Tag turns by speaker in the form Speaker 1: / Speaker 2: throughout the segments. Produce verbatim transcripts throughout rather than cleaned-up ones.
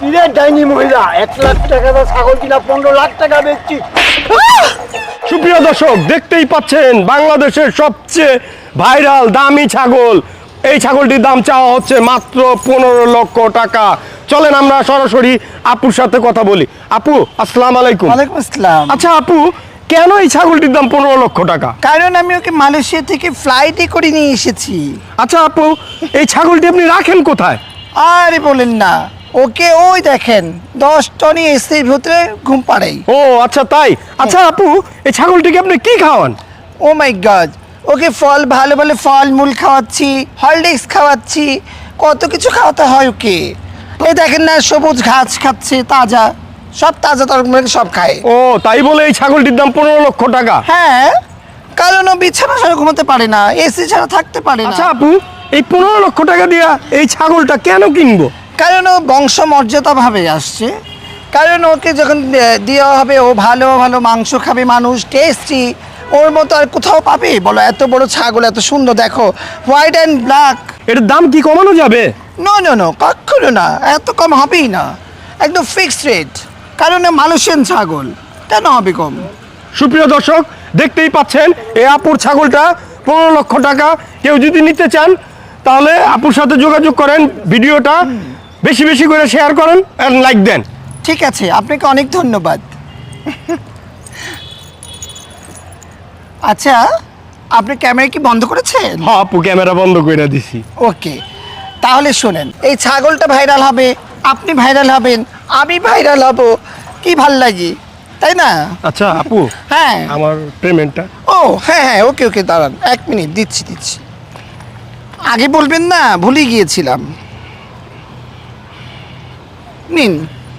Speaker 1: কিরে ডাইনি মহিলা, এক লাখ টাকা দা ছাগল কিনা পনেরো লাখ টাকা বেচছি।
Speaker 2: সুপ্রিয় দর্শক, দেখতেই পাচ্ছেন বাংলাদেশের সবচেয়ে ভাইরাল দামি ছাগল। এই ছাগলটির দাম চাওয়া হচ্ছে মাত্র পনেরো লক্ষ টাকা। চলেন আমরা সরাসরি আপুর সাথে কথা বলি। আপু, আসসালামু আলাইকুম।
Speaker 3: ওয়ালাইকুম আসসালাম।
Speaker 2: আচ্ছা আপু, কেন এই ছাগলটির দাম পনেরো লক্ষ টাকা?
Speaker 3: কারণ আমি ওকে মালয়েশিয়া থেকে ফ্লাইটে করে নিয়ে এসেছি।
Speaker 2: আচ্ছা আপু, এই ছাগলটি আপনি রাখেন কোথায়?
Speaker 3: আরে বলেন না, ওকে ওই দেখেন দশ টনি এসির ভিতরে ঘুম পাড়াই।
Speaker 2: ও আচ্ছা তাই। আচ্ছা আপু, এই ছাগলটিকে আপনি কি খাওয়ান?
Speaker 3: ও মাই গড, ওকে ফল ভালো ভালো ফল মূল খাওয়াচ্ছি, হরলিক্স খাওয়াচ্ছি, কত কিছু খাওয়াতে হয় ওকে। এই দেখেন না, সবুজ ঘাস খাচ্ছে, তাজা, সব তাজা তরকারি সব খায়।
Speaker 2: ও তাই বলে এই ছাগলটির দাম পনেরো লক্ষ টাকা?
Speaker 3: হ্যাঁ, কারণ ও বিছানা ছাড়া ঘুমাতে পারে না, এসি ছাড়া থাকতে পারে না।
Speaker 2: আচ্ছা আপু, এই পনেরো লক্ষ টাকা দিয়া এই ছাগলটা কেন কিনবো?
Speaker 3: কারণ ও বংশ মর্যাদাভাবে আসছে, কারণ ওকে যখন দে- দেওয়া হবে ও ভালো ভালো মাংস খাবে, মানুষ টেস্টি, ওর মতো আর কোথাও পাবে বলো? এত বড় ছাগল, এত সুন্দর, দেখো হোয়াইট অ্যান্ড ব্ল্যাক।
Speaker 2: এটার দাম কি কমানো যাবে?
Speaker 3: নো নো নো, কখনো না, এত কম হবেই না, একদম ফিক্সড রেট, কারণ ও মালয়েশিয়ান ছাগল, কেন হবে কম?
Speaker 2: সুপ্রিয় দর্শক, দেখতেই পাচ্ছেন এই আপুর ছাগলটা পনেরো লক্ষ টাকা। কেউ যদি নিতে চান তাহলে আপুর সাথে যোগাযোগ করেন, ভিডিওটা বেশি বেশি করে শেয়ার করেন আর লাইক দেন।
Speaker 3: ঠিক আছে, আপনাকে অনেক ধন্যবাদ। আচ্ছা, আপনি ক্যামেরা কি বন্ধ করেছেন?
Speaker 2: হ্যাঁ আপু, ক্যামেরা বন্ধ করে দিছি।
Speaker 3: ওকে, তাহলে শোনেন, এই ছাগলটা ভাইরাল হবে, আপনি ভাইরাল হবেন, আমি ভাইরাল হব, কি ভাল লাগে, তাই না?
Speaker 2: আচ্ছা আপু,
Speaker 3: হ্যাঁ।
Speaker 2: আমার পেমেন্টটা।
Speaker 3: ও হ্যাঁ হ্যাঁ, ওকে ওকে, দাঁড়ান এক মিনিট, দিচ্ছি দিচ্ছি। আগে বলবেন না, ভুলে গিয়েছিলাম। নিন।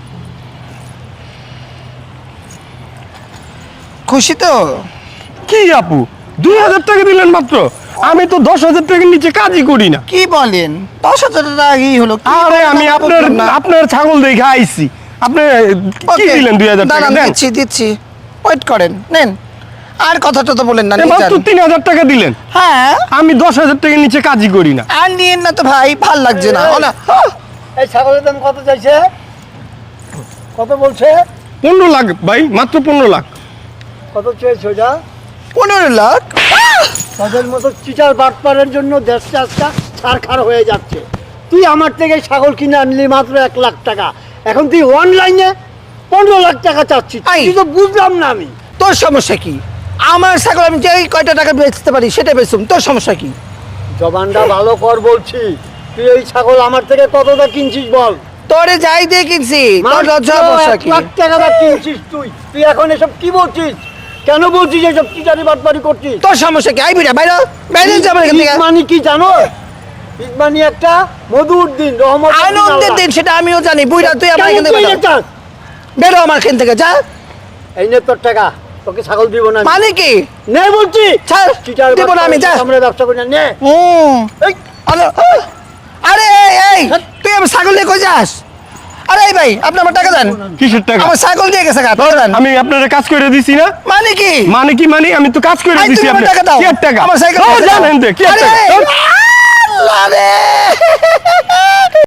Speaker 3: খুশি তো?
Speaker 2: কি আপু, দুই হাজার টাকা দিলেন মাত্র? আমি তো দশ হাজার টাকার নিচে কাজই করি না।
Speaker 3: কি বলেন, দশ হাজার টাকা আগেই হলো। কি
Speaker 2: আরে
Speaker 3: বলেন,
Speaker 2: আমি আপনার
Speaker 3: বললাম না।
Speaker 2: আপনার ছাগল দেখে আইছি, আপনি কি
Speaker 3: Okay,
Speaker 2: দিলেন দুই হাজার টাকা?
Speaker 3: দাঁড়ান,
Speaker 2: দেন।
Speaker 3: দিচ্ছি দিচ্ছি, ওয়েট করেন, নেন। আর কথাটা তো বলেন না, নিয়ে
Speaker 2: মাত্র
Speaker 3: যান।
Speaker 2: তিন হাজার টাকা দিলেন?
Speaker 3: হ্যাঁ,
Speaker 2: আমি দশ হাজার টাকার নিচে কাজই করি না।
Speaker 3: আর নিয়েন না তো ভাই, ভাল লাগছে না। ও না,
Speaker 1: এই ছাগলের দাম কত চাইছে? কত বলছে?
Speaker 2: পনেরো লাখ ভাই, মাত্র পনেরো লাখ।
Speaker 1: কত চেয়েছে ওটা?
Speaker 3: পনেরো লাখ?
Speaker 1: তাদের মতো চিটার বাটপারের জন্য দেশটা আজকা ছারখার হয়ে যাচ্ছে। তুই আমার থেকে ছাগল কিনে আনলি মাত্র এক লাখ টাকা, এখন তুই অনলাইনে পনেরো লাখ টাকা চাচ্ছিস।
Speaker 3: আই।
Speaker 1: তুই তো বুঝলাম না আমি।
Speaker 3: তোর সমস্যা কি? আমার ছাগল আমি যেই কয়টা টাকা বেচতে পারি সেটা বেচুম, তোর সমস্যা কি?
Speaker 1: জবানটা ভালো কর বলছি। তুই এই ছাগল আমার থেকে কতটা কিনছিস বল?
Speaker 3: তোরে যাই দিয়ে কিনছি, তোর লজ্জা
Speaker 1: মাত্র
Speaker 3: সমস্যা
Speaker 1: এক
Speaker 3: কি?
Speaker 1: লাখ টাকা দা কিনছিস তুই। তুই এখন এসব কি বলছিস? কেন বলছিস এসব চিটারি বাটপারি করছিস?
Speaker 3: তোর সমস্যা কি? আই বিড়া বাইরে, বাইরে যাবে এখান থেকে।
Speaker 1: ঈদ মানি কি জানো? ঈদ মানি একটা মধুর দিন, রহমত।
Speaker 3: আনন্দের দিন, সেটা আমিও জানি। বুইড়া, তুই আমার এখান থেকে বেরো। বেরো আমার এখান থেকে, যা।
Speaker 1: এই নে তোর টাকা, তোকে ছাগল দিব না আমি।
Speaker 3: মানে কি?
Speaker 1: নে বলছি।
Speaker 3: ছাড়,
Speaker 1: চিটার
Speaker 3: দিব না আমি, যা।
Speaker 1: আমরা ব্যবসা করি না, নে।
Speaker 3: হুম।
Speaker 1: এই,
Speaker 3: আরে, আহ! আরে এই, এই, তুই আমার ছাগল নিয়ে কই যাস? আরে এই ভাই, আপনি আমার টাকা দেন।
Speaker 2: কিসের টাকা?
Speaker 3: আমার ছাগল দিয়ে গেছে, টাকা দেন।
Speaker 2: আমি আপনার কাজ করে দিছি না?
Speaker 3: মানে কি?
Speaker 2: মানে কি মানে? আমি তো কাজ করে
Speaker 3: আই,
Speaker 2: দিছি।
Speaker 3: তুমি আমার
Speaker 2: আপনার
Speaker 3: টাকা দাও।
Speaker 2: কি এর টাকা?
Speaker 3: আমার সাইকেল
Speaker 2: ও,
Speaker 3: দিয়ে দাও।
Speaker 2: জানেন তো, কি এর
Speaker 3: আরে,
Speaker 2: টাকা?
Speaker 3: আল্লাহ রে।